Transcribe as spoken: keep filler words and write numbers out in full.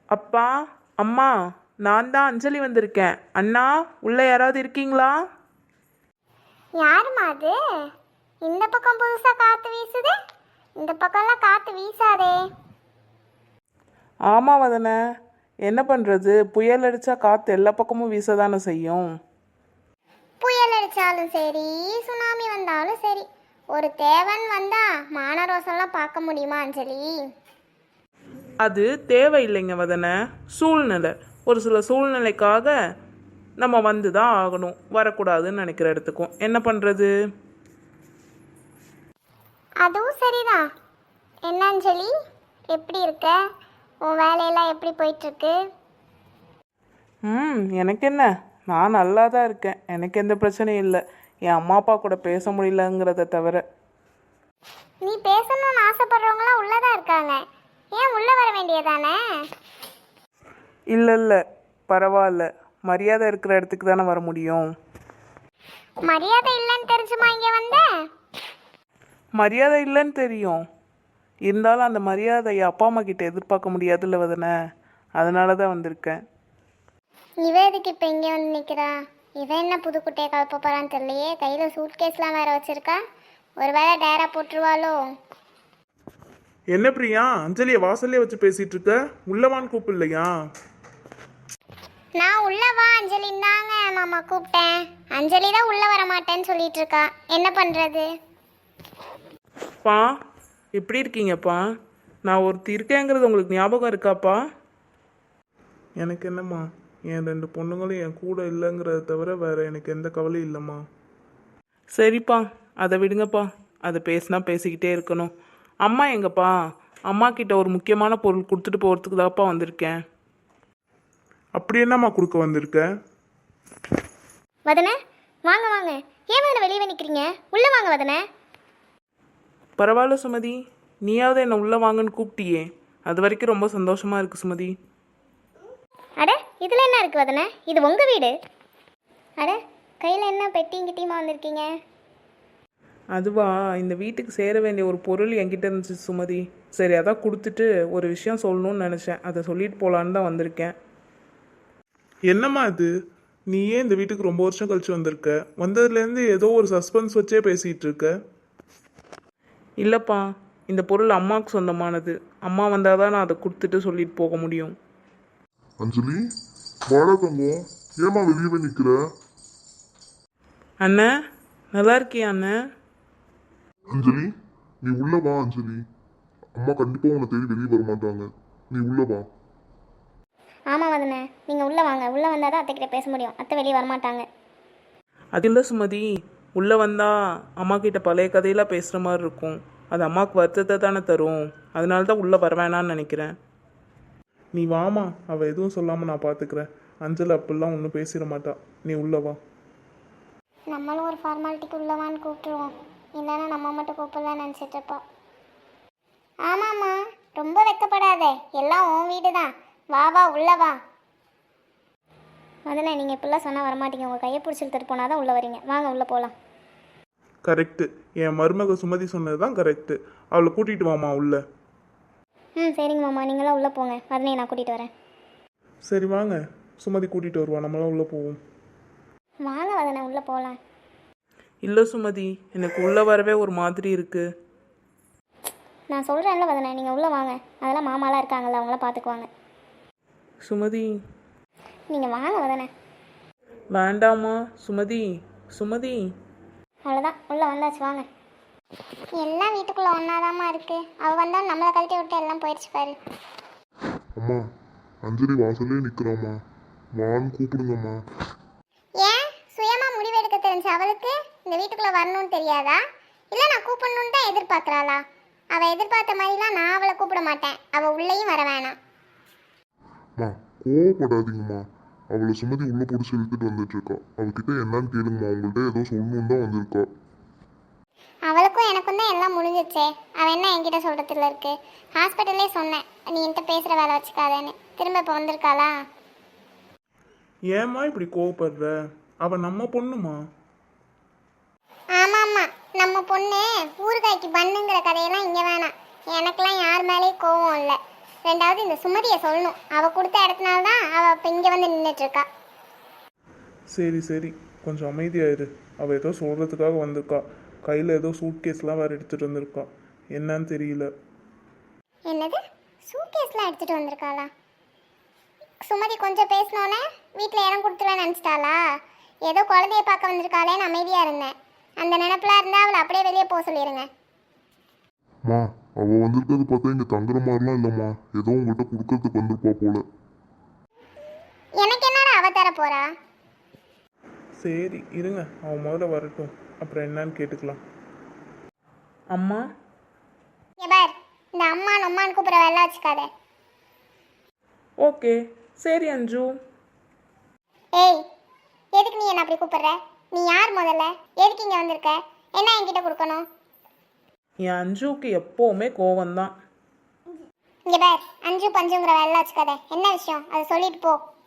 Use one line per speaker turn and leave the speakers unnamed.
அப்பா, அம்மா, நான் தான் அஞ்சலி வந்திருக்கேன். அண்ணா, உள்ள யாராவது இருக்கீங்களா?
யாருமா அது? இந்த பக்கம் புதுசா காத்து வீசுது, இந்த பக்கம்லாம் காத்து வீசாதே.
ஆமா வதனே, என்ன பண்ணுறது, புயல் அடித்தா காற்று எல்லா பக்கமும் வீச தானே செய்யும்.
புயல் அடிச்சாலும் சரி, சுனாமி வந்தாலும் சரி, ஒரு தேவன் வந்தா மானரோசெல்லாம் பார்க்க முடியுமா அஞ்சலி?
அது தேவையில்லைங்க வதனே, சூழ்நிலை. ஒரு சில சூழ்நிலைக்காக நம்ம வந்து தான் ஆகணும். வரக்கூடாதுன்னு நினைக்கிற இடத்துக்கும் என்ன பண்ணுறது?
அதுவும் சரிதான். என்ன அஞ்சலி, எப்படி இருக்க? உன் வேலையெல்லாம் எப்படி போயிட்டுருக்கு?
ம் எனக்கு என்ன, நான் நல்லா தான் இருக்கேன். எனக்கு எந்த பிரச்சனையும் இல்லை. என் அம்மா அப்பா கூட பேச முடியலங்கிறத தவிர.
நீ பேசணும்னு ஆசைப்படுறவங்களாம் உள்ளதான் இருக்காங்க, ஏன் உள்ள வர வேண்டியதானே?
இல்லை இல்லை, பரவாயில்ல. மரியாதை இருக்கிற இடத்துக்கு தானே வர முடியும்.
மரியாதை இல்லைன்னு தெரிஞ்சுமா இங்க வந்த?
மரியாதை இல்லைன்னு தெரியும், இருந்தாலும் அந்த மரியாதையை அப்பா அம்மா கிட்ட எதிர்பார்க்க முடியாதுல்ல வதனே, அதனால தான் வந்திருக்கேன்.
இவ எதுக்கு இப்போ இங்கே வந்து நிற்கிறா? இவன் என்ன புது குட்டையை கலப்ப போகிறான்னு தெரியலையே. கையில் சூட்கேஸ்லாம் வேற வச்சிருக்கா. ஒரு வேளை டேரா போட்டுருவாளோ?
என்ன பிரியா, அஞ்சலியை வாசல்லே வச்சு பேசிட்டு இருக்க? உள்ளவான்னு கூப்பிடலையா?
நான் உள்ள வா அஞ்சலின்னு தாங்க மாமா கூப்பிட்டேன். அஞ்சலி தான் உள்ள வர மாட்டேன்னு சொல்லிட்டு இருக்கா. என்ன பண்ணுறது?
பா, எப்படி இருக்கீங்கப்பா? நான் ஒருத்தி இருக்கேங்கிறது உங்களுக்கு ஞாபகம் இருக்காப்பா? எனக்கு என்னம்மா, என் ரெண்டு பொண்ணுங்களும் என் கூட இல்லைங்கிறத தவிர வேற எனக்கு எந்த கவலையும் இல்லைம்மா. சரிப்பா, அதை விடுங்கப்பா. அதை பேசினா பேசிக்கிட்டே இருக்கணும். அம்மா எங்கப்பா? அம்மா கிட்ட ஒரு முக்கியமான பொருள் கொடுத்துட்டு போகிறதுக்கு தான்ப்பா வந்திருக்கேன். அப்படி என்னம்மா கொடுக்க வந்திருக்க?
வதனே, வாங்க வாங்க. ஏன் வதனை வெளியே நிற்கிறீங்க? உள்ளே வாங்க வதனே.
பரவாயில்ல சுமதி, நீயாவது என்னை உள்ளே வாங்கன்னு கூப்பிட்டியே, அது வரைக்கும் ரொம்ப சந்தோஷமாக இருக்குது சுமதி.
அட, இதில் என்ன இருக்குது வதனே? இது உங்கள் வீடு. அட, கையில் என்ன பெட்டியும் கிட்டியுமா வந்திருக்கீங்க?
அதுவா, இந்த வீட்டுக்கு சேர வேண்டிய ஒரு பொருள் என்கிட்ட இருந்துச்சு சுமதி. சரி, அதான் கொடுத்துட்டு ஒரு விஷயம் சொல்லணும்னு நினச்சேன். அதை சொல்லிட்டு போகலான்னு தான் வந்திருக்கேன். என்னம்மா இது? நீ ஏன் இந்த வீட்டுக்கு ரொம்ப வருஷம் கழிச்சு வந்திருக்க? வந்ததுலேருந்து ஏதோ ஒரு சஸ்பென்ஸ் வச்சே பேசிகிட்டு இருக்க. இல்லைப்பா, இந்த பொருள் அம்மாவுக்கு சொந்தமானது. அம்மா வந்தால் தான் நான் அதை கொடுத்துட்டு சொல்லிட்டு போக முடியும்.
அஞ்சலி, வாடா தங்கம், ஏமா வெளியவே நிக்கிற?
அண்ணே, நல்லா இருக்கியா அண்ணே?
அஞ்சலி, நீ உள்ள வா அஞ்சலி. அம்மா கண்டிப்பா உன்னை தேடி வெளியே வர மாட்டாங்க. நீ உள்ள வா.
ஆமாம் வதனே, நீங்கள் உள்ளே வாங்க. உள்ளே வந்தால் தான் அத்தைக்கிட்ட பேச முடியும். அத்தை வெளியே வரமாட்டாங்க.
அது இல்லை சுமதி, உள்ளே வந்தால் அம்மா கிட்ட பழைய கதையெல்லாம் பேசுகிற மாதிரி இருக்கும். அது அம்மாவுக்கு வருத்தத்தை தானே தரும். அதனால தான் உள்ளே வர வேணான்னு நினைக்கிறேன். நீ வாமா, அவள் எதுவும் சொல்லாமல் நான் பார்த்துக்கிறேன். அஞ்சல் அப்படிலாம் ஒன்றும் பேசிட மாட்டா. நீ உள்ளே வா.
நம்மளும் ஒரு ஃபார்மாலிட்டிக்கு உள்ளவான்னு கூப்பிட்டுருவோம். இல்லைன்னா நம்ம மட்டும் கூப்பிடலான்னு நினச்சிட்டு இருப்போம். ஆமாம்மா, ரொம்ப வெக்கப்படாத. எல்லாம் உன் வீடு தான். வா வா, உள்ள வா. முதல்ல நீங்கள் இப்படிலாம் சொன்னால் வரமாட்டீங்க. உங்கள் கையை பிடிச்சி இழுத்துட்டு போனால் தான் உள்ளே வரீங்க. வாங்க உள்ளே போகலாம்.
கரெக்டு, என் மருமக சுமதி சொன்னது தான் கரெக்டு. அவளை கூட்டிகிட்டு வாமா உள்ள.
ம் சரிங்க மாமா, நீங்களாம் உள்ளே போங்க. அதனே நான் கூட்டிகிட்டு வரேன்.
சரி வாங்க, சுமதி கூட்டிகிட்டு வருவா, நம்மளாம் உள்ளே போவோம்.
வாங்க வதனே, உள்ளே போகலாம்.
இல்லை சுமதி, எனக்கு உள்ளே வரவே ஒரு மாதிரி இருக்குது.
நான் சொல்கிறேன்ல வதனே, நீங்கள் உள்ளே வாங்க. அதெல்லாம் மாமாலாம் இருக்காங்கல்ல, அவங்களாம் பார்த்துக்குவாங்க.
சுமதி,
நீங்கள் வாங்க வதனே.
வேண்டாமா சுமதி? சுமதி,
அவ்வளோதான், உள்ளே வந்தாச்சு. வாங்க. எல்லாம் வீட்டுக்குள்ளே ஒன்றாதாம்மா இருக்குது. அவள் வந்தால் நம்மளை கழட்டி விட்டு எல்லாம் போயிடுச்சு பாரு.
அம்மா, அஞ்சலி வாசல்லே நிக்கிறாம்மா, வான்னு கூப்பிடுங்கம்மா.
ஏன் சுயமாக முடிவெடுக்க தெரிஞ்ச அவளுக்கு இந்த வீட்டுக்குள்ளே வரணும்னு தெரியாதா? இல்லை நான் கூப்பிடணுன்னு தான் எதிர்பார்க்குறாளா? அவள் எதிர்பார்த்த மாதிரிலாம் நான் அவளை கூப்பிட மாட்டேன். அவள் உள்ளேயும் வர வேணாம்.
அம்மா, கோவப்படாதீங்கம்மா. அவளை சுமதி உள்ள பிடிச்சி இழுத்துட்டு வந்துட்டு இருக்கா. அவகிட்ட என்னன்னு கேளுங்கம்மா. உங்கள்கிட்ட ஏதோ சொல்லணும் தான் வந்திருக்கா.
அவளுக்கும் எனக்கும் தான் எல்லாம் முடிஞ்சிச்சே. அவள் என்ன என்கிட்ட சொல்கிறதுல இருக்கு? ஹாஸ்பிட்டல்லே சொன்னேன், நீ என்கிட்ட பேசுகிற வேலை வச்சுக்காதேன்னு. திரும்ப இப்போ வந்திருக்காளா?
ஏம்மா இப்படி கோவப்படுற? அவள் நம்ம பொண்ணுமா?
ஆமாம்மா, நம்ம பொண்ணு ஊறுகாய்க்கு பண்ணுங்கிற கதையெல்லாம் இங்கே வேணாம். எனக்கெல்லாம் யார் மேலேயும் கோவம் இல்லை. ரெண்டாவது இந்த சுமதியை சொல்லணும். அவள் கொடுத்த இடத்துனால தான் அவள் இப்போ இங்கே வந்து நின்றுட்டு இருக்கா.
சரி சரி கொஞ்சம் அமைதியாயிரு. அவள் ஏதோ சொல்கிறதுக்காக வந்திருக்கா. கையில் ஏதோ சூட் கேஸ்லாம் வேறு எடுத்துகிட்டு வந்திருக்கா. என்னன்னு தெரியல.
என்னது சூட்கேஸ்லாம் எடுத்துகிட்டு வந்திருக்காளா? சுமதி கொஞ்சம் பேசினோன்னே வீட்டில் இடம் கொடுத்துருவேன்னு நினச்சிட்டாளா? ஏதோ குழந்தைய பார்க்க வந்திருக்காளேன்னு அமைதியாக இருந்தேன். அந்த நினப்பில் இருந்தால் அவளை அப்படியே வெளியே போக சொல்லிடுங்க.
மா அவள் வந்திருக்கிறது பார்த்தா இங்கே தங்குற மாதிரிலாம் இல்லைம்மா. ஏதோ உங்கள்கிட்ட கொடுக்கறதுக்கு வந்திருப்பா போல.
எனக்கு என்னடா அவ தர போறா?
சரி இருங்க, அவன் முதல்ல வரட்டும், அப்புறம் என்னன்னு கேட்டுக்கலாம். அம்மா
இங்க பார், இந்த அம்மா நம்மான்னு கூப்பிட்ற வேலை வச்சுக்காத.
ஓகே சரி அஞ்சு.
ஏய், எதுக்கு நீ என்ன அப்படி கூப்பிடுற? நீ யார் முதல்ல? எதுக்கு இங்கே வந்திருக்க? என்ன என்கிட்ட கொடுக்கணும்?
என் அஞ்சுக்கு எப்போவுமே கோவம்தான்.
இங்கே பார், அஞ்சு பஞ்சுங்கிற வேலை வச்சுக்காத. என்ன விஷயம் அதை சொல்லிட்டு போ.